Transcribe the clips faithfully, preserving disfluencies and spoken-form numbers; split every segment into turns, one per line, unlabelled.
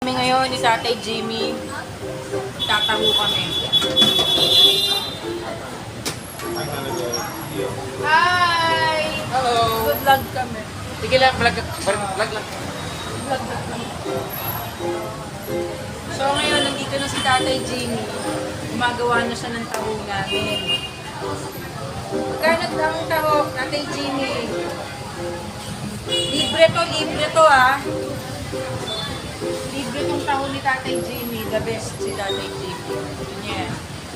Kami ngayon ni Tatay Jimmy, tataho kami. Hi!
Hello!
Good vlog kami.
Sige lang, vlog, vlog lang.
Vlog kami. So ngayon, nandito na si Tatay Jimmy. Gumagawa na siya ng taho namin. Magkano ang taho, Tatay Jimmy? Libre to, libre to ah. Libre tong taho ni Tatay Jimmy. The best si Tatay Jimmy. Yan.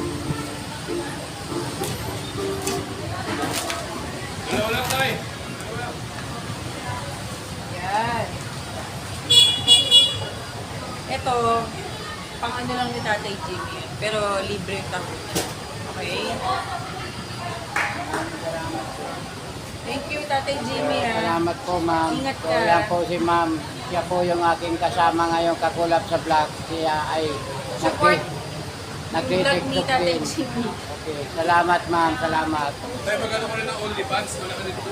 Wala, wala tayo.
Yan. Ito, pang ano lang ni Tatay Jimmy. Pero libre yung taho. Okay? Thank you, Tatay Jimmy. Ha?
Salamat po, ma'am.
Ingat
So,
ka.
yan po si ma'am. Siya po yung aking kasama ngayong kakulap sa vlog. Siya ay
Support
nagdi-
yung vlog ni
nagdi-tiktok
Tatay
din.
Jimmy.
Okay. Salamat, ma'am. Salamat.
Tayo magkano ko rin ng OnlyFans, wala ka dito.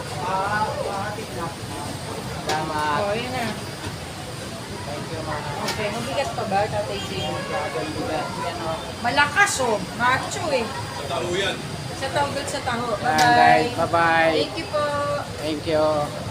Salamat.
Oh, yun na.
Thank you, ma'am.
Okay, mabigat pa ba, Tatay Jimmy?
Grabe, bigat. Yan, oh.
Malakas oh. Macho eh.
Sa tao yan.
Sa taho, sa taho.
Yan, guys.
Bye-bye.
Bye-bye.
Thank you po.
Thank you.